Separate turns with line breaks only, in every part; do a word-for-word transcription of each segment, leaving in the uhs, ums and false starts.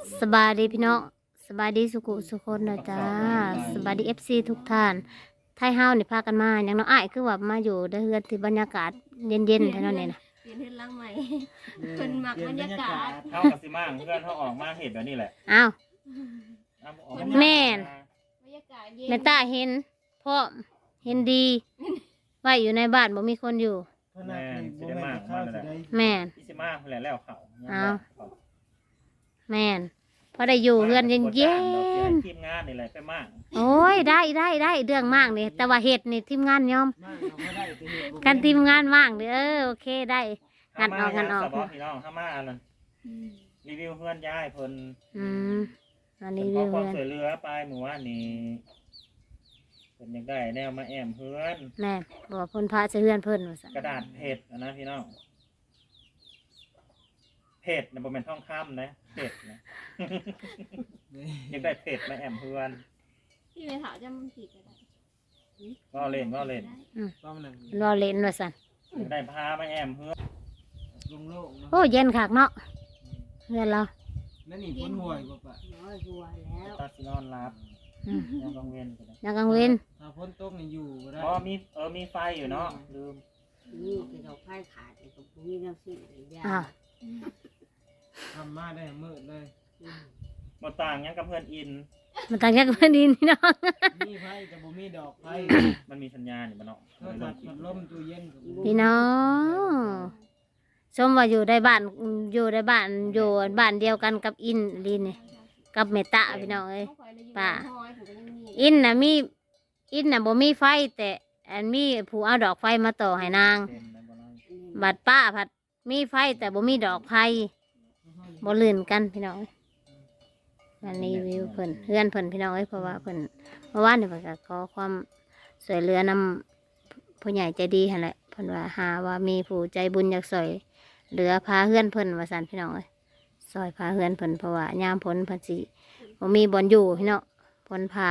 สบายดีพี่น้องสบายดีสุขุสุคนนะจ้าสบายดีเอฟซีทุกท่านไทยเฮานี่พากันมาอย่างน้องอ้ายคือว่ามาอยู่ได้เฮือนที่บรรยากาศเย็นๆเท่านั้นเองนะ
เปลี่ยนเฮ็ดหลังใหม่เพิ่นมักบรรยากาศ
เท่ากับสิมาเพื่อนเขาออกมาเห็ดแบบนี้แหละ
อ้าว
เอาออกา
แม่น
บรรยากาศเย็น
แม่ตาเห็นพ่อเห็นดีไว้อยู่ในบ้านบ่มีคนอยู่
แม่นสิได้มากมาเลยแหละ
แม่น
ที่สิมาเพื่อนแล้วเขา
เอา แม่นพอได้อยู่เฮือนเย็น
ทีมงานนี่แหละไปมาก
ๆโอ้ยได้ได้ได้เรื่องมากนี่แต่ว่าเห็ดนี่ทีมงานยอมกันทีมงานมากเด้อเออโอเคได้งันออกงันออก
สบอพี่น้องห้ามาอันนั้นรีวิวเพื่อนย้ายเพิ่น
อืมอันนี้
ขอ
วิว
ความ
เฮือน
สวยเรือไปหมู่ว่านนี่เพิ่นยังได้แนวมาแอมเพื่อน
แม่บอกว่าเพิ่นพาจะเฮือนเพิ่นว่าซั่น
กระดาษเผ็ดอะนะพี่น้องเผ็ดนะบ่แม่นทองคำนะเผ็ดนะ ยังได้เผ็ดมาแอมเพื่อน
พี่ไปถามจำมันผิดก็ได้
ก็เล่นก็เล่น
ป้อมหนึ่ง
รอเล่นว่าซั่น
ยังได้พามาแอมเพื่อน
ลงโลกเนาะ
โอ้เย็นคักเนาะเฮือนเรา
นั่นนี่พ้นห่วยบ่ปะ
น้อยหัวแล้ว
ตาสินอนรับ
อืม
ยังกังเวนกันนะ
ยามกลางเว้น
ถ้าพ้นตกนี่อยู่ก็ได้
อ๋อมีเออมีไฟอยู่เนาะลืม
นี่คือเราไพ่ขาดไอ้กับมีน้ำซีอะไรอย่าง
อ้าว
ทำมาได้มืดเลย
หมดต่างยังกับเพื่อนอิน
มันต่างจากเพิ่นดินพี่น้อง
มีไพ่แต่บ่มีดอกไพ่
มันมีสัญญาณอยู่บ้านเนาะ
โทรศัพท์พัดลมตู้เย็นกับบ่มี
พี่น้องชมว่าอยู่ในบ้านอยู่ในบ้านอยู่บ้านเดียวกันกับอินลินนี่กับเมตตาพี่น้องเอ้ย ป่า อินน่ะมีอินน่ะบ่มีไฟแต่อันมีผู้เอาดอกไฟมาต่อให้นาง
เต็มในบ้านเรา
บัดป้าผัดมีไฟแต่บ่มีดอกไฟบ่ลื่นกันพี่น้องเอ้ยวันนี้วิวเพิ่นเฮือนเพิ่นพี่น้องเอ้ยเพราะว่าเพิ่นเมื่อวานนี่เพิ่นก็ขอความสวยเหลือนำผู้ใหญ่ใจดีหั่นแหละเพิ่นว่าหาว่ามีผู้ใจบุญอยากสวยเหลือพาเฮือนเพิ่นว่าซั่นพี่น้องเอ้ยซอยพาเฮือนเพิ่นเพราะว่ายามผลเพิ่นสิบ่มีบ่อนอยู่พี่น้องผลพา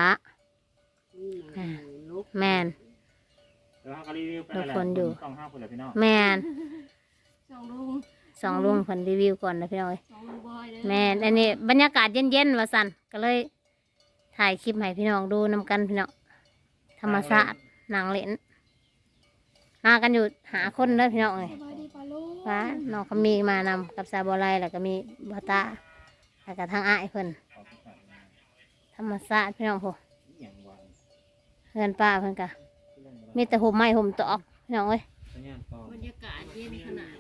ลุก
แม่น
เดี๋ยวเขาก็รีวิวไปแหละ
ทุกคนอยู่
ต้องห้าคนเลยพี่น้อง
แม่น
สองลุง
สองลุงเพิ่นรีวิวก่อนนะพี่น้องเอ้ย
สองลุงบอยเด้อ
แม่นอันนี้บรรยากาศเย็นๆว่าซั่นก็เลยถ่ายคลิปให้พี่น้องดูนำกันพี่น้องธรรมชาตินางเล่นมากันอยู่หาคนเด้อพี่น้องเอ้ย
สบายดีปะลูก
ว่าน้องเขามีมานำกับซาบอไลแล้วก็มีบาตาแล้วก็ทางอ้ายเพิ่น
ขอบคุณครับ
ธรรมชาติพี่น้องพวก
อหย่างวาง
เฮือนป้าเพิ่นก็มีแต่ห่มไม้ห่มตอกพี่น้องเอ้ย
สัญญาณต่อบ
รรยากาศเย็นขนาด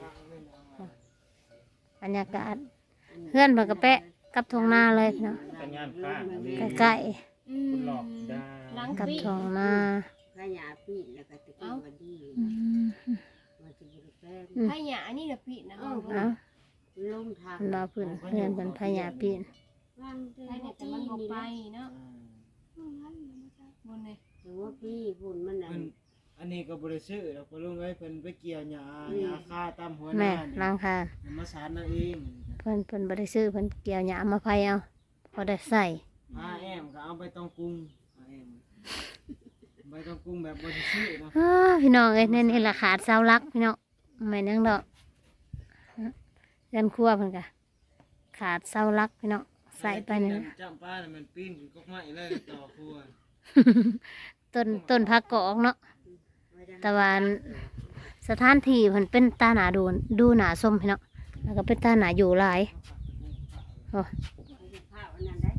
บรรยากาศเฮือนเพิ่นก็แปะกับทงนาเลยพี่น้อง
สัญญาณข้างนี่
ใกล้
อืม
คุณหลอกดา
หลัง
ๆกับ
ปี
ทงนา
ขยาปีแล้วก็ตะกี้วันดี
อืม
มันจะบริแป้ง
ให้หยานี่น่ะผิดนะ
เอ้า
ลงทาง
เพิ่นว่าเพิ่นเฮือนเพิ่นพญาปีน
ว่างเดิ
ให้
น
เนี่ยแต่มันบ่ไปเนาะบนเลย
แต่ว่าพี่พุ่นมันน่ะ
เพิ่นอันนี้ก็บ่ได้ซื้อดอกบ่ลุงเอ้ยเพิ่นไปเกี่ยวหญ้าหญ้าคาตามหัวห
แม่
น้านี่
ล้างคา
มาสารนั่นเอง
เพิ่นเพิ่นบ่ได้ซื้อเพิ่นเกี่ยวหญ้ามาไผเอาพอได้ใส่
พาแอมก็เอาไปต้องกรุงพาแอมไปต้องกรุงแบบบ่ได้ซื้อเนาะ
อ้าพี่น้องเอ้ยนี่นี่ละขาดเสาหลักพี่น้องแม่นยังดอกเรือนครัวเพิ่นก็ขาดเสาหลักพี่น้องใส่ไปนี่นะ
จ้ำป้าน่ะมันปีนขึ้นกกไม้เลยต่อครัว
ต้นต้นผักกอกเนาะแต่ว่าสถานที่เพิ่นเป็นตาหนาดูดูหนาส้มพี่น้องแล้วก็เป็นตาหนาอยู่หลายโอ้
ข้าวอันนั้นได้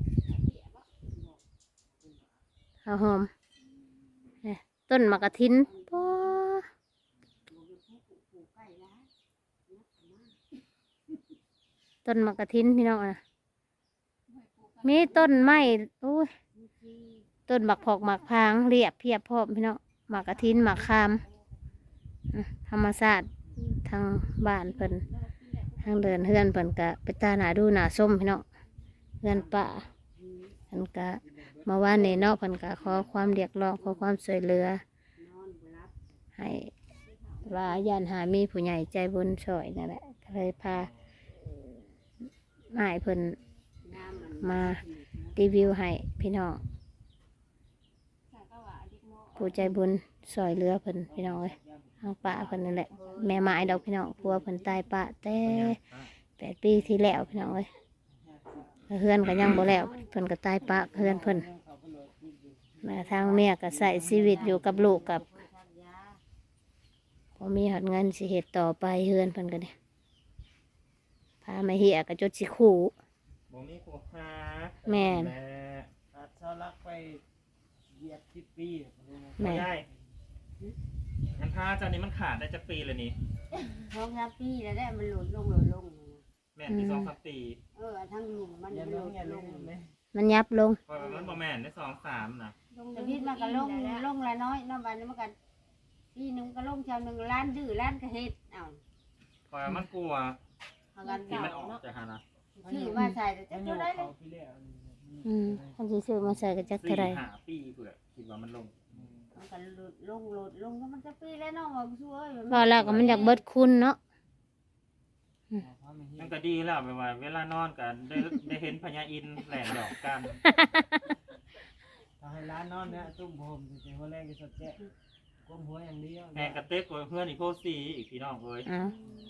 เอาหอมเนี่ยต้นมะกะทินป้อต้นมะกะทินพี่น้องนะมีต้นไม้โอ้ยต้นหมักผอกหมักพางเรียบเพียบพร้อมพี่น้องหมากกะทินหมากคามอ่ะธรรมศาสตร์ทางบ้านเพิ่นทางเดินเฮือนเพิ่นกะไปตาหนาดูหนาส้มพี่น้องเฮือนป่าเพิ่นกะมาว่าในเนอกเพิ่นกะขอความเรียกร้องขอความช่วยเหลือให้ว่าญาติหามีผู้ใหญ่ใจบุญช่วยนั่นแหละก็เลยพาอ้ายเพิ่นมารีวิวให้พี่น้องผู้ใจบุญซอยเรือเพิ่นพี่น้องเอ้ยทางป่าเพิ่นนั่นแหละแม่ไม้ดอกพี่น้องพัวเพิ่นตายป่าแต่แปดปีที่แล้วพี่น้องเอ้ยเฮือนก็ยังบ่แล้วเพิ่นก็ตายปะเฮือนเพิ่นแม่ทางเมียก็ใส่ชีวิตอยู่กับลูกกับพอมีหอดเงินสิเฮ็ดต่อไปเฮือนเพิ่นก็เด้พามาเหียก็จดสิคู่
บ่มีครูหา
แม่น
แม่
อาจเสารักไปเหยียบสิบปี
แม่
ไม่ได้งั้นพาเจ้านี้มันขาดได้จักปีเลยนี่
ท้องรับปีแล้วได้มันหลุดลงหลุดลง
แม่นที่สองสามปี
เออทั้งหลุมมัน
อย่า
ห
ล
ลุ
ง
ด
อย่าล
ล
ง
ง
ไหม
มันยับลง
เพราะว่ามันบ่แม่นได้สองสามนะ
แต่พิษมันก็ลงลงละน้อยน้ำมันมันก็ปีหนึงก็ลงชาวหนึ่งล้านดื้อล้านกระเฮ็ดเอ้า
เพราะว่ามันกลัว
เอากัน
ที่
เก่า
มันออก
เนาะ
จากหานะ
ชื่อมาใส่แต่จะ
มันอ
เท่า
ยู่
ได้เล
เขา
ย
พี่เลี้ย
อืมคันสิซื้อมาใส่ก็จัก
สี่
เท่าไร
ห้าปีเผื่อคิดว่ามันลง
มันก็หลุดลงหลุดลงก็มันจะปีแล้วเนาะว่าช่วย
ว่าแล้วก็มันอยากเบิดคุณเนาะ
มันก็ดีแล้วแบบว่า เวลานอนกันได้ได้เห็นพญาอินทร์แหลมดอกกัน
ถ้าให้ร้านนอนเนี่ยตุ้มผมจะหัวแรกจะสดแจ๊ะก้มหัวอย่างเดียว
แหงกระเต็กกว่าเพื่อนอีกโพสีอีกพี่น้องเลย
อ้าว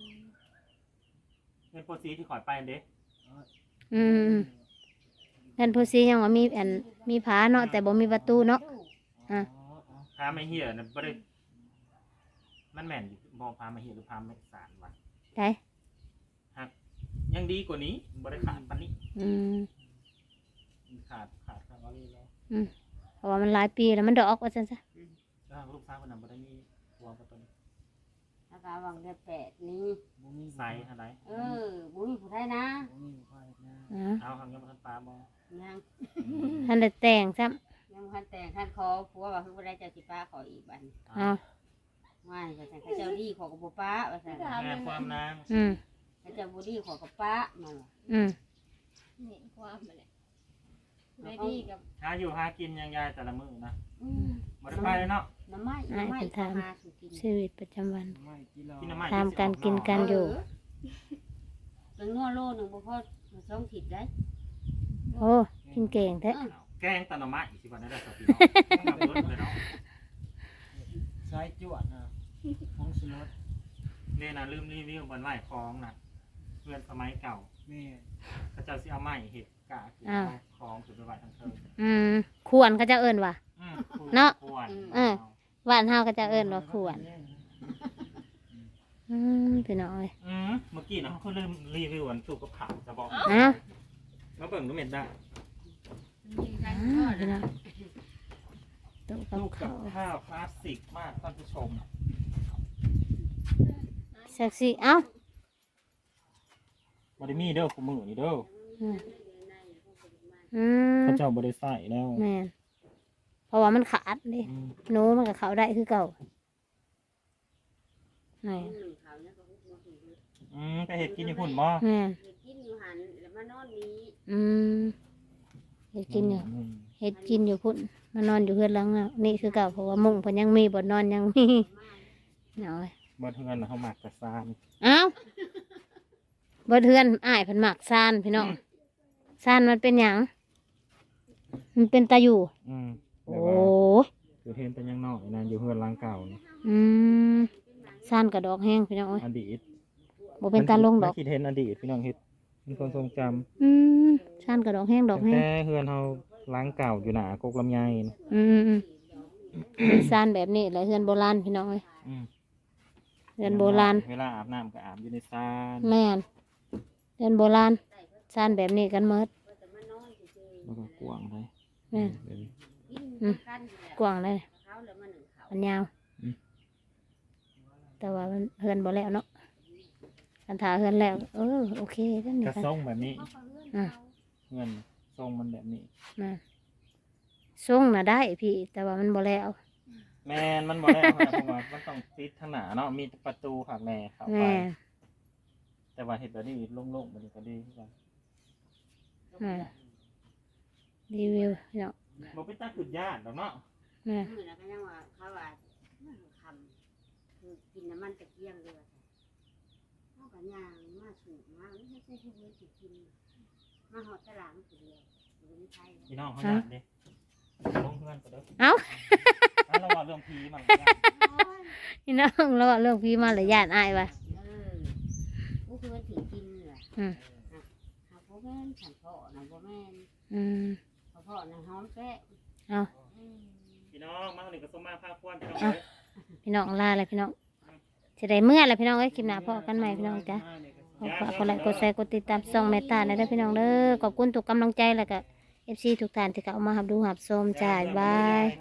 เพื่อนโพสีที่ขอยไปเด้
อืมเงินผู้ซียังว่ามีอันมีผาเนาะแต่บ่มีประตูเนาะ อ่ะ
พาไม่เหี้ยนะบ่ได้มันแม่นอยู่บ่พาไม่เหี้ยหรือพาไม่สารวะ
ได้
ยังดีกว่านี้บ่ได้ขาดปานนี้
อืม
ขาดขาดขาดว่าเลยแล้ว
เพราะว่ามันหลายปีแล้วมันดอกว่าซั่นซะ
ถ้าลูกสาวคนนั้นบ่ได้มีหัวบ่ต้น
แล้วก็วางเดือนแปดนี้
ใส่เท่าใด
เออบุ้ยผู้ไทยนะ
อ๋อ
เอาคำยังบ่ทันปลาบ่
ยัง
ท่านได้แต่งซ้ำ
ยังพันแต่งท่านขอผัวว่าเพิ่งได้เจ้าสิป้าขออีกบัน
อ้าว
ว่าจะแต่งเจ้าดีขอกับป้าว่าสั่น
แม่ความนาง
อืม
เจ้าบุดีขอกับป้ามาว่ะ
อืม
เห็นความมาเลยได้ดีกับ
หาอยู่หากินยังยายแต่ละมื้อนะ
อืม
บ่ได้ไปเลยเนาะ
น้ำไม้น้ำไม้เอามาสู่กิน
ชีวิตประจำวัน
กินน้ำมัน
ตามการกินกันอยู่
เป็นงัวโลหนึ่งบ่พอสองถิดได้
โอ้กินเก่งแท้
แกงตะหน่อไม้สิบ่ได้ได้สักพี่น้องต้องมาเบิดเลยเนาะ
สายจวดนะของสล็อต
นี่นะลืมรีวิวบนไหว้คล้องนะเพื่อนสมัยเก่า
แม่
เขาเจ้าสิเอาไม้เห็ดกะคือ
อ้าว
คล้องสุดไปไหว้ทั้งเทิง
อืมควรเขาจะเอิ้นว่า
อืม
เนาะ
ควร
เออ บ้านเฮาก็จะเอิ้นว่าควรอืมพี่น้อย
อืมเมื่อกี้นะเขาลืมรีวิวอันสูบกับผักจะบอก
อ้าว
มาเบิ่งดูเม็ดได้
ยิงกัน
อ้า
ก็
วพี่น้อยตู้กับ
ลูกกั
ข้า
บ
ว
ข้าวคลาสสิกมากท่านผู้ชม
เซ็กซี่เอ้า
บริมีเด้อคู่มือนี่เด้อ
อืมอืม
เขาเจ้าบริใส่แล้ว
แม่นเพราะว่ามันขาดดิ
อืม
หนูมันก็เข้าได้คือเก่าแม่น
หนึ่งเขาเนี่ยก็ฮุบมาถึง
อืมไปเห็ดกินญี่ปุ่นบ่
แม่น
กินอยู่หันแล้วมานอนนี้
อืมเฮ็ดกินอยู่
ม
เฮ็ดกินอยู่พุ่นมานอนอยู่เฮือนหลังน่ะนี่คือเก่าเพราะว่ามุ้งเพิ่นยังมีบ่นอนยังมีเอาไว้
บ่เทือนเขาหมักกระซาน
เอ้าบ่เทือนอ้ายเพิ่นมักซานพี่น้องซานมันเป็นหยังมันเป็นตาอยู่
อืม
โอ้
แต่ว่าอยู่เทนเป็นยังน้อยนะอยู่เฮือนหล้างเก่านี่
อืมซานกระดอกแห้งพี่น้องเอ้ย
อดีต
บ่เป็นตาลงดอก
มันคิดเห็นอดีตพี่น้องเฮ็ดเป็นคนทรงจำ
อืมซานกระดอกแห้งดอก
ตั้ง
แห้ง
แต่เฮือนเฮาหล้างเก่าอยู่หนากกลำไยนะ
อืมอืมอืมเป็นซานแบบนี้แหละเฮือนโบราณพี่น้องเอ้ย
อืม
เฮือนโบราณ
เวลาอาบน้ำก็อาบอยู่ในซาน
แม่นเฮือนโบราณซานแบบนี้กันหมด
แล้วก็กวางเลย
แม่น
เดี๋ยวนี้
กินกัน
กว้างเลย
เขาแล้วมาหนึ่งเขา
มันยาว
อืม
แต่ว่ามันเฮือนบ่แล้วเนาะคันถาเฮือนแล้ว เออโอเคก็นี่
กระ
กัน
ทรงแบบนี้
อ่ะ
เงินทรงมันแบบนี้
นะส่งน่ะได้พี่ แต่ว่ามันบ่แล้ว
แมนมันบอกแล้วนะเพราะว่ามันต้องติดทางหนาเนาะมีประตูขักแน่เข้าไป
แม่
แต่ว่าเห็ดแบบนี้โล่งๆมันก็ดีคือกัน
แม่รีวิวเนาะ
บ่เป็นตาขึ้นยากดอกเนาะ
แม่
มือแล้วก็ยังว่าเขาว่าคำคือกินน้ำมันตะเกียงเลยเขาก็ย่างมาสูบมาไม่ใช่ที่เพื่อนสิกินมาหอดตลาดมันเดียวอยู่ในไทย
พี่น้องเขาอยากเด้ลงเพื่อนก็เด้อ
เอ้า
แล้วเราว่าเรื่องผีมันก็ยาก
พี่น้องเราเรื่องพี่มาเลยญาติอายว่ะ
เออผู้เพื่อนถือกินเหรอ
อืม
หาผมแม่นฉันพ่อนะบ่แม่น
อืม
พ่อพ่อนะหอมแก้ว
เอา
อืม
พี่น้องมาหนึ่งก็สมมาภาคควรพี่น้อง
อ่ะ พี่น้องลาเลยพี่น้องจะได้เมื่อไรพี่น้องเอ้ยคลิปหน้าพอกันใหม่พี่น้องจ้ะขอฝากกดไลค์กดแชร์กดติดตามช่องเมตตาในเด้อพี่น้องเด้อขอบคุณทุกกำลังใจแล้วก็เอฟซีทุกท่านที่เข้ามาหับดูหับชมจ้าบ๊ายบาย